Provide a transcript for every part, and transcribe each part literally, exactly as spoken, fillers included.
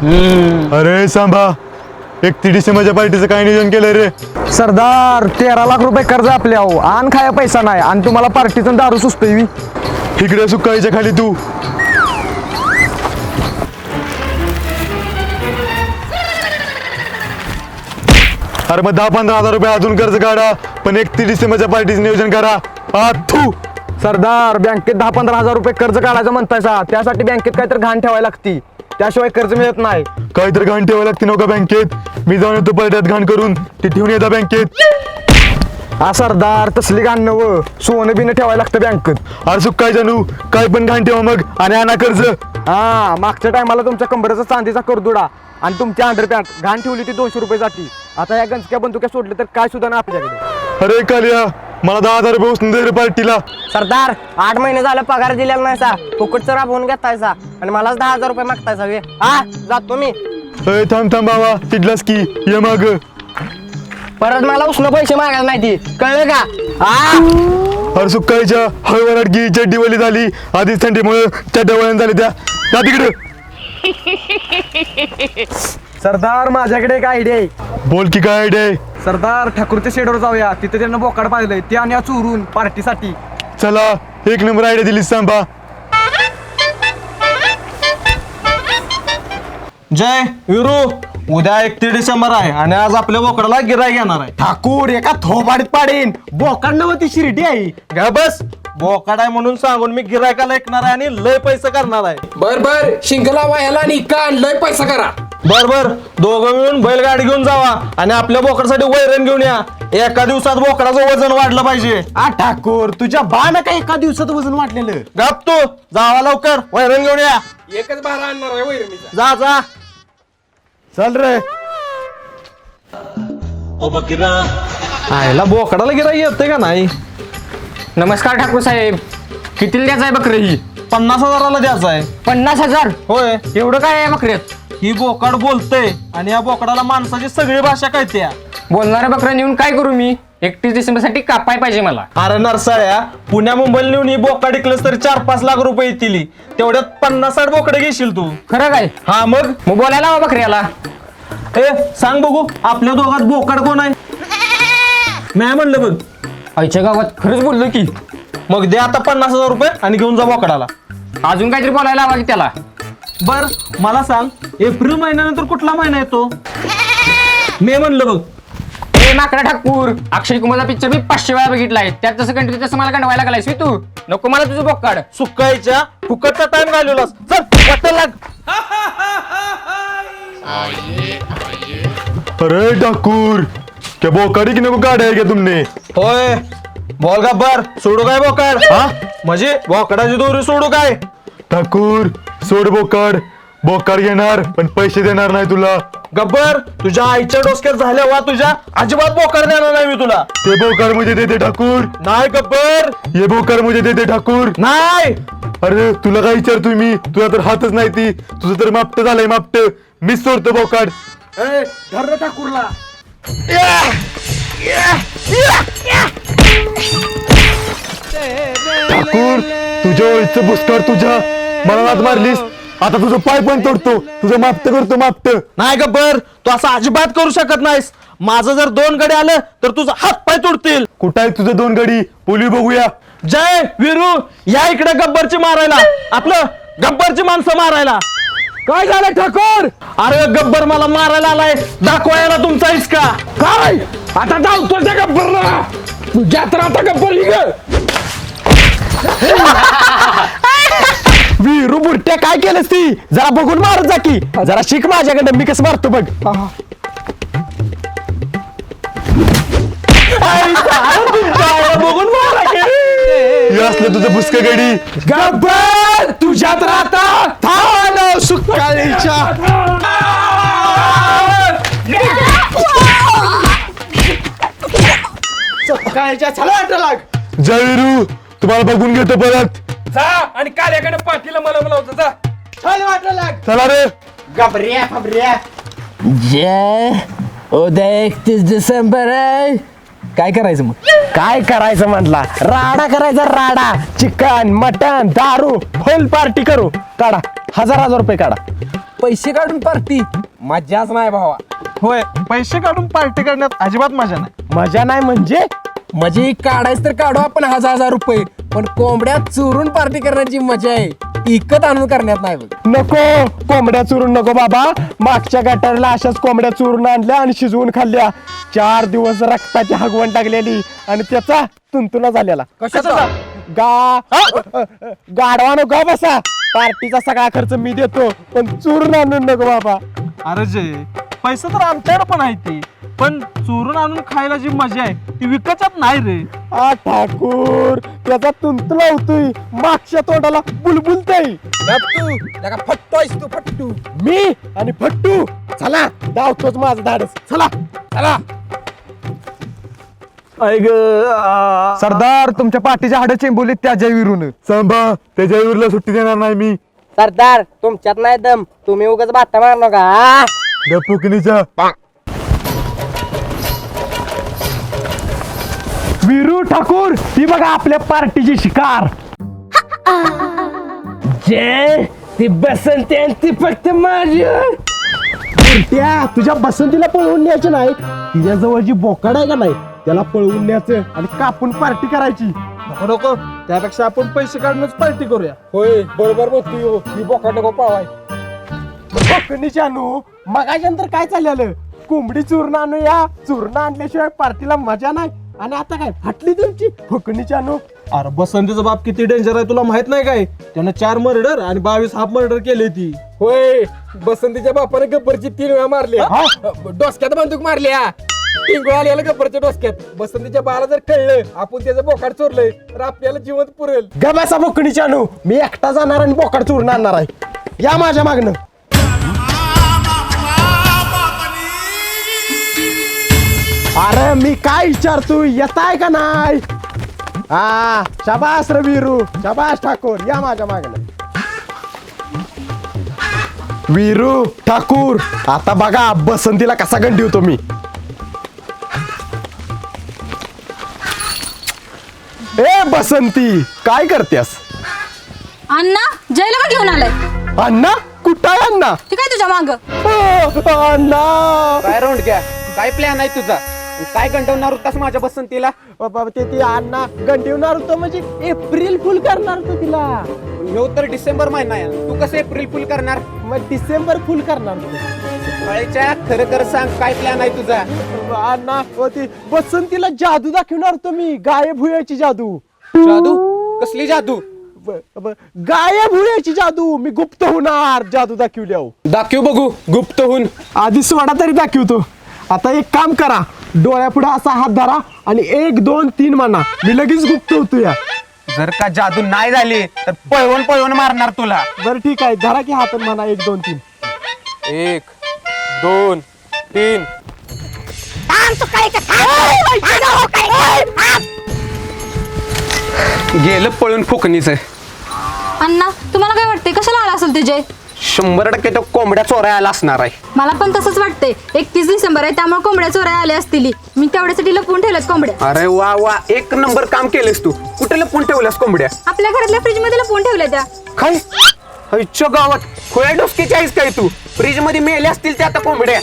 अरे सांभा, एकतीस डिसेंबरच्या पार्टीचं काय नियोजन केलंय रे? सरदार तेरा लाख रुपये कर्ज आपल्या हो, आण खाया पैसा नाही आणि तुम्हाला पार्टीचं दारू सुचतोय. इकडे सुकायच्या खाली तू. अरे मग दहा पंधरा हजार रुपये अजून कर्ज काढा, पण एकतीस डिसेंबरच्या पार्टीचं नियोजन करा. आ थू. सरदार बँकेत दहा पंधरा हजार रुपये कर्ज काढायचं म्हणतायसा, त्यासाठी बँकेत काहीतरी घाण ठेवायला लागती, त्याशिवाय कर्ज मिळत नाही. काहीतरी घाण ठेवायला लागते नका बँकेत. मी जाऊन येतो पलट्यात घाण करून, ती ठेवून येता बँकेत. हा सरदार तसली घाण नव, सोनं बिनं ठेवायला लागतं बँकेत. अरे सुकाय जानू, काय पण घाण ठेवा मग आणि आणा कर्ज. हा मागच्या टायमाला तुमच्या कंबरेचा चांदीचा करदुडा आणि तुमची अंडरपॅन्ट घाण ठेवली ती दोनशे रुपये जाती. आता या गंजक्या बंदुक्या सोडले तर काय सुद्धा नाही आपल्याकडे. अरे कालिया, मला दहा हजार रुपये उचलून दे रे पार्टीला. सरदार आठ महिने झालं पगार दिलेला नाही सा, फुकटचं राबवून घेतायचा आणि मलाच दहा हजार रुपये मागतायचा वे. हा जातो मी. अरे थांब थांब बाबा, तिथलाच की ये मग. परत मला उष्ण पैसे मागायला नाही ती, कळलं का? हा अरे सुकायच्या हळवराट गी चड्डीवली झाली, आधीच थंडीमुळे चड्ड्यावळण झाली त्या त्या तिकडे. सरदार माझ्याकडे एक आयडिया आहे. बोल की काय आयडिया आहे? सरदार ठाकूरच्या शेडवर जाऊया, तिथे त्यांना बोकाड पाहिलंय, ते आणि चोरून पार्टीसाठी. चला, एक नंबर आयडिया दिलीस सांबा. जय विरू, उद्या एकतीस डिसेंबर आहे आणि आज आपल्या बोकडाला गिराय घेणार आहे. ठाकूर एका थोबाडीत पाडीन, बोकाड नव्हती शिर्डी आहे. गा बस, बोकाड आहे म्हणून सांगून मी गिरायकाला ऐकणार आहे आणि लय पैसे करणार आहे. बर बर शिंगला व्हायला आणि का लय पैसा करा. बर बर दोघं मिळून बैलगाडी घेऊन जावा आणि आपल्या बोकडासाठी वैरण घेऊन या. एका दिवसात बोकडाचं वजन वाढलं पाहिजे. आ ठाकूर तुझ्या बाण का एका दिवसात वजन वाटलेलं. गप तू, जावा लवकर वैरण घेऊन या. एकच बारा आणणार आहे वैरणीचा. जा जा. चल रे. आयला बोकडाला गिराय येते का नाही? नमस्कार ठाकूर साहेब, कितीला द्यायचं आहे बकरी? ही पन्नास हजाराला द्यायचं आहे. पन्नास हजार होय, एवढं काय आहे बकऱ्यात? ही बोकाड बोलतय आणि या बोकडाला माणसाची सगळी भाषा कळते. बोलणाऱ्या बकऱ्या नेऊन काय करू मी? एकतीस डिसेंबर साठी कापाय पाहिजे मला. अरे नरसाळ्या, पुण्या मुंबईला नेऊन ही बोकाड इकलंस तरी चार पाच लाख रुपये येतील. तेवढ्यात पन्नास साठ बोकडे घेशील तू. खरं काय? हा मग मग बोलायला हवा बकऱ्याला. ए सांग बघू, आपल्या दोघात बोकाड कोण आहे? नाही म्हणलं बघ. आईच्या गावात खरंच बोललो की. मग दे आता पन्नास हजार रुपये आणि घेऊन जा बोकडाला. अजून काहीतरी बोलायला हवा की त्याला. बर मला सांग, एप्रिल महिन्यानंतर कुठला महिना येतो? मे म्हणलं बघ. ए माकडा ठाकूर, अक्षय कुमारचा पिक्चर मी पाचशे वेळा बघितलाय, त्यात जसं कंटिन्यू तसं मला गंडवायला लागलायस तू. नको मला तुझं बोकाड. सुकायच्या फुकटचा टाइम घालवलास. चल वाटत लाग. अरे ठाकूर, क्या बोकाडी की नको काढाय का तुमने? होय बोल गब्बर, सोडू काय बोकाड? हा म्हणजे बोकडाची दोरी सोडू काय? ठाकूर सोड बोकाड. बोकाड घेणार पण पैसे देणार नाही तुला. गब्बर, तुझ्या आईच्या डोसक्यात झाल्या वा तुझ्या अजिबात बोकाड देणार नाही मी तुला. ते बोकाड मुझे देते ठाकूर. नाही गब्बर, ये बोकाड मुझे देते ठाकूर. नाही. अरे तुला काय विचारतोय मी? तुला तर हातच नाही ती. तुझं तर मापट झालंय मापट. मीच सोडतो बोकाड. धर ठाकूरला. ठाकूर तुझ्या ओळीचं बुसकार तुझ्या मला नाद मारलीस. आता तुझं पाय पण तोडतो. तुझं मापट करतो मापट. नाही गब्बर, तू असं अजिबात करू शकत नाहीस. माझं जर दोन गडे आलं तर तुझा हात पाय तुडतील. कुठं आहे तुझं दोन गडी? पोली बघूया. जय विरू, या इकडे गब्बरची मारायला. आपलं गब्बरची माणसं मारायला. काय झालं ठाकूर? अरे गब्बर मला मारायला आलाय, दाखवायला तुमचा इसका. काय आता धावतो त्या गब्बरला. तुझ्या तर आता गब्बर ही ग. वीरू बुरट्या काय केलंस ती? जरा बघून मारत जा की. जरा शिक माझ्याकडे, मी कसं मारतो बघ. बघून मारा की. हे असलं तुझं बुसक गडी. गब्बर तुझ्या तर आता थांब सुकाळीच्या. सुकाळीच्या चला वाटा लाग. जय वीरू, तुम्हाला बघून घेतो परत. जा आणि काल्याकडे पाठीला मला मला होतं जा. चल वाटा लाग. चला रे. गबऱ्या फबऱ्या. जय उद्या एकतीस डिसेंबर आहे. काय करायचं मग? काय करायचं म्हटला? राडा करायचा राडा. चिकन मटन दारू फुल पार्टी करू. काढा हजार हजार रुपये काढा. पैसे काढून पार्टी मजाच नाही भावा. होय, पैसे काढून पार्टी करण्यात अजिबात मजा नाही. मजा नाही म्हणजे म्हणजे काढायच तर काढू आपण हजार हजार रुपये, पण कोंबड्या चोरून पार्टी करण्याची मजा आहे, इकत आणून करण्यात नाही बघ. नको कोंबड्या चुरून नको बाबा. मागच्या गटारला अशाच कोंबड्या चुरून आणल्या आणि शिजवून खाल्ल्या. चार दिवस रक्ताची हगवण टाकलेली आणि त्याचा तुंतुना झालेला. कशाचा? गा गाडवा नको बसा. पार्टीचा सगळा खर्च मी देतो, पण चुरून आणून नको बाबा. अरे जे पैसे तर आमच्याकडे पण आहे ती, पण चोरून आणून खायला जी मजा आहे ती विकतच नाही रे. आ ठाकूर त्याचा तुंतला होतोय, मागच्या तोंडाला बुलबुलतय. फट्टू तू फट्टू. मी आणि फट्टू चला धावतोच माझं धाडस. चला चला. ऐक सरदार तुमच्या पाठीच्या हाडं चेंबवलीत त्या जयवीरून. सांभा त्याच्या विरुला सुट्टी देणार नाही मी. सरदार तुमच्यात नाही दम, तुम्ही उगाच बाता मार नका. गपुकनीचा वीरू ठाकूर ती बघा आपल्या पार्टीची शिकार. जे ती बसंती आणि ती फक्त माझी. त्या तुझ्या बसंतीला पळवून न्यायची नाही, तिच्या जवळ जी बोकाड आहे का नाही त्याला पळवून न्यायचं आणि कापून पार्टी करायची. नको नको, त्यापेक्षा आपण पैसे काढूनच पार्टी करूया. होय बरोबर बोलतोय. ही बोकाड नको पावाय. कोकणीची आणू मगाच्यानंतर काय चाललेलं, कोंबडी चूर्ण आणूया, चूर्ण आणल्याशिवाय पार्टीला मजा नाही. आणि आता काय फाटली तुमची कोकणीची आणू. अरे बसंतीचा बाप किती डेंजर आहे तुला माहित नाही काय? त्यानं चार मर्डर आणि बावीस हाफ मर्डर केली ती. होय, बसंतीच्या बापाने गब्बरची तीन वेळा मारली. डोसक्यात बंदूक मारली. हा टिंगू आलेला गब्बरच्या डोसक्यात. बसंतीच्या बाला जर कळलं आपण त्याचं बोकाड चोरलंय तर आपल्याला जिवंत पुरेल. गबासा बोकणीची आणू, मी एकटा जाणार आणि बोकाड चूर्ण आणणार आहे. या माझ्या मागणं. अरे मी काय विचारतो, येत आहे का नाही? हा शाबास रे वीरू, शाबास ठाकूर, या माझ्या मागणं. वीरू ठाकूर आता बघा बसंतीला कसा गंडी होतो मी. ए बसंती काय करतेस? अण्णा जयला का घेऊन आलाय? अण्णा कुठं आहे अण्णा? ते काय तुझ्या माग? अ, अण्णा काय राऊंड घ्या, काय प्लॅन आहे तुझा? काय गंडवणार होतास माझ्या बसंतीला? बाबा ते ती अण्णा गंडीवणार होतं म्हणजे एप्रिल फुल करणार होतं तिला. ह्यो तर डिसेंबर महिना आहे, तू कसं एप्रिल फुल करणार? मग डिसेंबर फुल करणार होतं. काळीच्या खरं खरं सांग, काय प्लॅन आहे तुझा? अण्णा व ती बसंतीला जादू दाखवणार होतो मी, गायब हुयाची जादू. जादू? कसली जादू? ब- ब- गायब हुयाची जादू. मी गुप्त होणार जादू दाखवल्यावर. दाखव बघू गुप्त होऊन. आधी सोडा तरी दाखवतो. आता एक काम करा, डोळ्यापुढे असा हात धरा आणि एक दोन तीन म्हणा, मी लगेच गुप्त होतो. या जर का जादू नाही झाली तर पळवून पळवून मारणार तुला. बरं ठीक आहे, धरा की हातात म्हणा एक दोन तीन. एक दोन तीन. गेलं पळून फुकणीच. अण्णा तुम्हाला काय वाटतंय, कशाला आला असेल ते जय? शंभर टक्के तो कोंबड्या चोरायला आला असणार आहे. मला पण तसंच वाटतंय. एकतीस डिसेंबर आहे त्यामुळे कोंबड्या चोरायला आल्या असतील. मी तेवढ्यासाठी लपवून ठेवल्यात कोंबड्या. अरे वा वा, एक नंबर काम केलेस तू. कुठे लपून ठेवल्यास कोंबड्या? आपल्या घरातल्या फ्रीज मध्ये लपवून ठेवल्या त्या. काय आईच्या गावात खोया डोसकीची आहेस काय तू? फ्रीज मध्ये मेले असतील त्या आता कोंबड्या.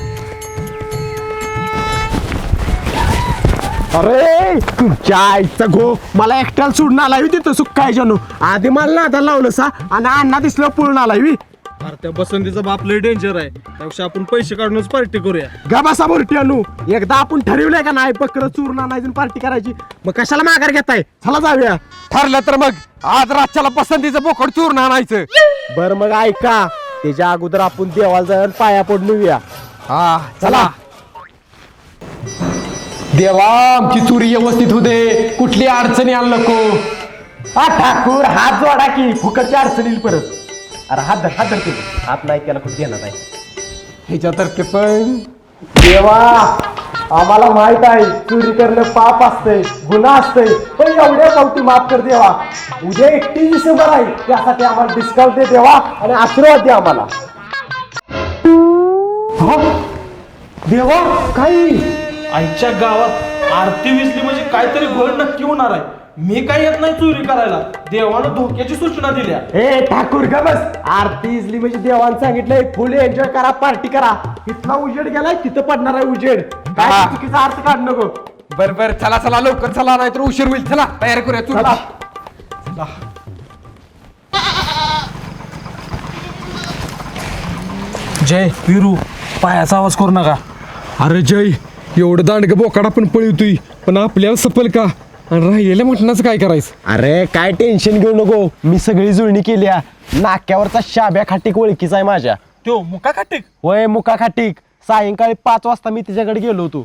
अरे तुमच्या आईचा गो, मला एकट्याला सोडून आला तिथं सुख काय जानू. आधी मला नादा लावलं सा आणि अण्णा दिसलं पळून आला. अरे त्या बसंतीचा बाप लय डेंजर आहे, त्यापेक्षा आपण पैसे काढूनच पार्टी करूया. गबासा बोरटी आणू. एकदा आपण ठरवलंय का नाही बकर चूर्ण आणायची पार्टी करायची, मग कशाला माघार घेताय? चला जाऊया. ठरलं तर मग आज रातच्याला पसंतीचं बोकड चूर्ण आणायचं. बर मग ऐका, त्याच्या अगोदर आपण देवाला जाऊन पाया पडून येऊया. हा चला. देवा आमची चोरी व्यवस्थित होते, कुठली अडचणी आण नको. हा ठाकूर हात जोडा की फुकटच्या अडचणील परत. अरे हात धर, हात धर तू. हात नाही केला कुठे घेणार नाही ह्याच्यातर्फे पण. देवा आम्हाला माहित आहे चोरी करणं पाप असतंय, गुन्हा असतंय, पण एवढ्या पावती माफ कर देवा. उद्या एकतीस डिसेंबर आहे, त्यासाठी आम्हाला डिस्काउंट दे देवा आणि आशीर्वाद दे आम्हाला. हो? देवा काही आईच्या गावात आरती विजली म्हणजे काहीतरी घोळ नक्की होणार आहे. मी काय येत नाही चोरी करायला. देवानं धोक्याची सूचना दिल्या. ए ठाकूर का बस. आरती इजली म्हणजे देवानं सांगितलंय फुल एन्जॉय करा, पार्टी करा. इथला उजेड गेलाय तिथं पडणार आहे उजेड. काय चुकीचा अर्थ काढ नको. बर बर चला चला लवकर चला नाहीतर उशीर होईल. चला तयार करूया चला. जय विरू पायाचा आवाज करू नका. अरे जय एवढं दांडग बोकाडा पण पळवतोय पण आपल्याला सपल का आणि राहिलेल्या मटणाचं काय करायचं. अरे काय टेन्शन घेऊ नको. मी सगळी जुळणी केल्या. नाक्यावरचा शाब्या खाटीक ओळखीचा आहे माझ्या. तो मुका खाटिक. होय मुका खाटीक. सायंकाळी पाच वाजता मी तिच्याकडे गेलो होतो.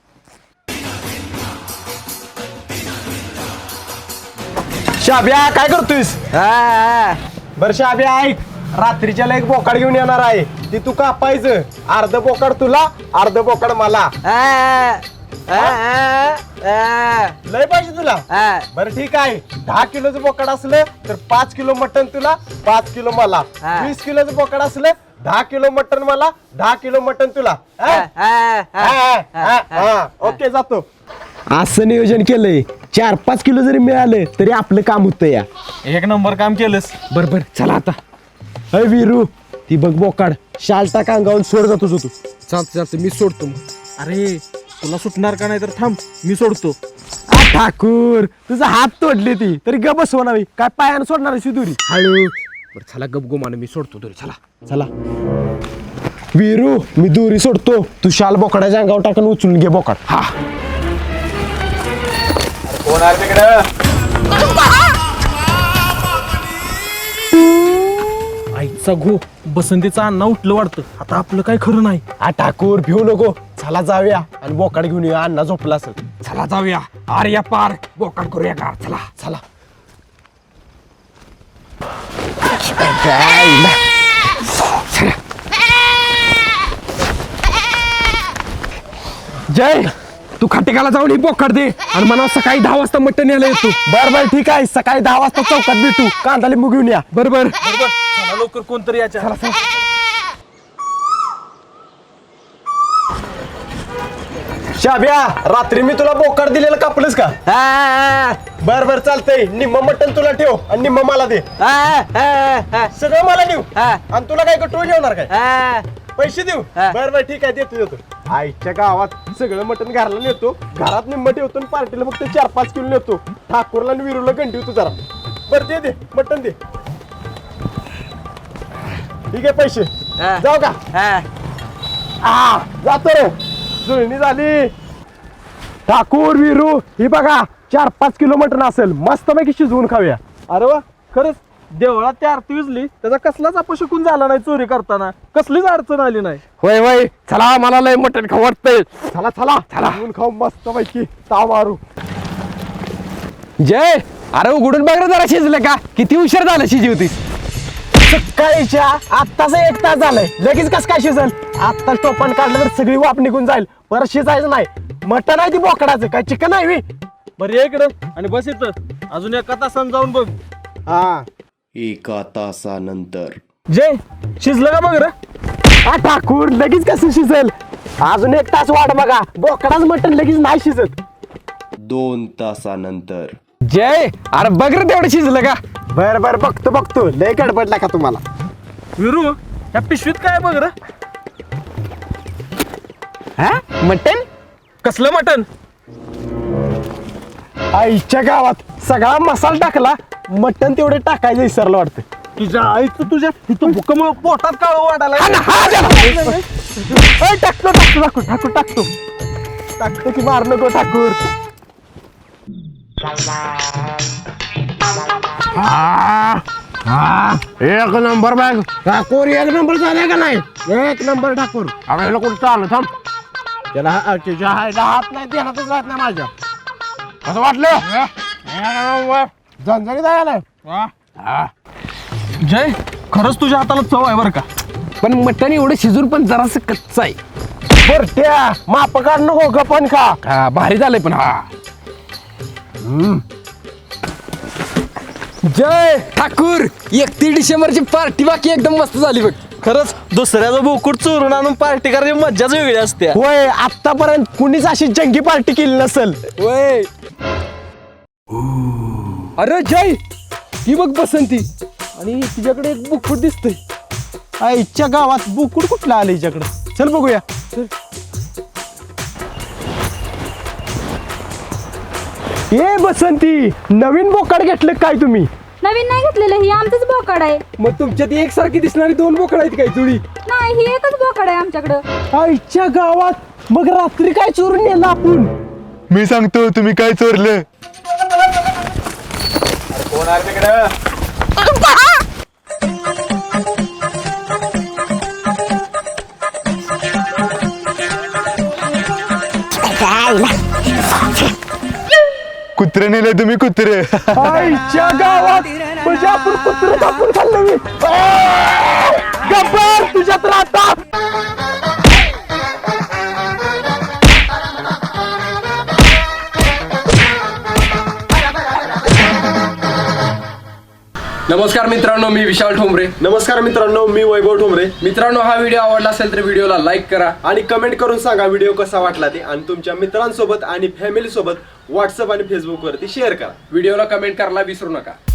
शाब्या काय करतोयस. बर शाब्या ऐक. रात्रीच्याला एक बोकाड घेऊन येणार आहे. ती तू कापायचं. अर्ध बोकाड तुला अर्ध बोकाड मला. लय पाहिजे तुला. बरं ठीक आहे. दहा किलोचं बोकाड असलं तर पाच किलो मटण तुला पाच किलो मला. वीस किलोचं बोकाड असलं दहा किलो मटण मला दहा किलो मटण तुला. ओके जातो. असं नियोजन केलंय. चार पाच किलो जरी मिळालं तरी आपलं काम होतं या. एक नंबर काम केलंस. बर बर चला आता. अय वीरू ती बघ बोकाड. शाल टाका अंगावून सोड जातो तू. चालतं चालतं मी सोडतो मग. अरे तुला सुटणार का नाही तर थांब मी सोडतो. आ, ठाकूर तुझा हात तोडली ती तरी ग बसवणारी. काय पायानं सोडणार आहे दुरी. हळू बरं चला गप गुमान मी सोडतो तरी. चला चला वीरू मी दोरी सोडतो. तू शाल बोकडाच्या अंगावर टाकून उचलून घे बोकाड. हा आईचा घो बसंतीचा अण्णा उठलं वाटतं. आता आपलं काय खरं नाही. आ ठाकूर भिऊ नको. चला जाऊया आणि बोकाड घेऊन येऊया. अण्णा झोपला असेल. चला जाऊया. आर्या पार बोकाड करूया का. चला चला जय तू खाटेकाला जाऊन ही बोकाड दे आणि मला सकाळी दहा वाजता मटण यायला येतो. बर बर ठीक आहे. सकाळी दहा वाजता चौकात भेटू. कांदा लिंबू घेऊन या. बरोबर चला लवकर कोणतरी याच्या. शाब्या रात्री मी तुला बोकाड दिलेलं कापलंस का. बर बर चालतंय. निम्म मटण तुला ठेव आणि निम्म मला दे. सगळं मला देऊ आणि तुला काय कटू ठेवणार काय. पैसे देऊ. बर बर ठीक आहे देतो देतो. आईच्या गावात सगळं मटण घराला नेतो. घरात निम्म ठेवतो आणि पार्टीला फक्त चार पाच किलो नेतो. ठाकूरला आणि विरूला गंठवतो जरा. बर दे दे मटण दे. ठीक आहे पैसे जाऊ का. आ जातो रे. जुळणी झाली. ठाकूर विरू ही बघा चार पाच किलो मटण असेल. मस्त पैकी शिजवून खाऊया. अरे वा खरंच देवळात त्या आरती विजली त्याचा कसलाच अपशकून झाला नाही. चोरी करताना कसलीच अडचण आली नाही. होय होय चला मला लय मटण खाऊ वाटतंय. चला चला चला खाऊ मस्त पैकी ताव मारू. जय अरे उघडून बघ रे जरा शिजलं का. किती उशीर झाला शिजवतीस. सकाळीच्या आत्ताच एक तास झालंय. लगेच कस काय शिजल. आत्ता टोपण काढलं तर सगळी वाप निघून जाईल. परत शिजायचं नाही. मटण आहे ती बोकडाचं काय चिकन आहे. बरं ये इकडं आणि बस इथं अजून एका तासानं जाऊन बघ. हा एका तासानंतर. जय शिजलं का बघ रे. हा ठाकूर लगेच कसं शिजेल. अजून एक तास वाट बघा. बोकडाच मटण लगेच नाही शिजत. दोन तासानंतर. जय अरे बघ रे तेवढं शिजलं का. बर बर बघतो बघतो. लय गडबडला का तुम्हाला. विरू या पिशवीत काय बघ रे. हा मटण कसलं मटण. आईच्या गावात सगळा मसाला टाकला. मटण तेवढे टाकायचं विसरलं वाटतं. तुझ्या आईचं तुझ्या इथं भुकमुळे पोटात काळ वाटायला. टाकतो टाकतो टाकतो टाकतो टाकतो टाकतो की मार नको ठाकूर. एक नंबर बॅग ठाकूर एक नंबर झालाय का नाही. एक नंबर ठाकूर. अगं कुठं चाललं थांब. त्याला हा- त्याच्या हायला हात नाही देण्यातच राहत नाही माझ्या. असं वाटलं झणझणी जायला. जय खरंच तुझ्या हाताला चव आहे बरं का. पण मटण एवढं शिजून पण जरासं कच्चं आहे. बरट्या माप काढ नको गपन खा. हा भारी झालंय पण. हा जय ठाकूर एकतीस डिसेंबरची पार्टी बाकी एकदम मस्त झाली बघ. खरंच दुसऱ्याचं बोकुड चोरून आणून पार्टी करायची मज्जाच वेगळी असते. होय आतापर्यंत कुणीच अशी जंगी पार्टी केली नसल. वय अरे जय ही बघ बसंती आणि तिच्याकडे एक बुकफूट दिसतंय. आईच्या गावात बुकुड कुठला आलं हिच्याकडे. चल बघूया. ए बसंती, नवीन बोकाड घेतलं काय तुम्ही? नवीन नाही घेतलेलं, ही आमचंच बोकड आहे. मग तुमच्यात एकसारखी दिसणारी दोन बोकड आहेत काय जुळी? नाही, ही एकच बोकड आहे आमच्याकडं. आईच्या गावात मग रात्री काय चोरून नेलं आपण? मी सांगतो तुम्ही काय चोरलं. कुत्रे नेले तुम्ही कुत्रे. आईच्या गावात म्हणजे आपण कुत्र कापून खाल्लं. मी गब्बर तुझ्यात राहता. नमस्कार मित्रांनो, मी विशाल ठोंबरे. नमस्कार मित्रांनो, मी वैभव ठोंबरे. मित्रांनो, हा व्हिडिओ आवडला असेल तर व्हिडिओला लाईक करा आणि कमेंट करून सांगा व्हिडिओ कसा वाटला ते, आणि तुमच्या मित्रांसोबत आणि फॅमिली सोबत व्हॉट्सअप आणि फेसबुक वरती शेअर करा. व्हिडिओला कमेंट करायला विसरू नका.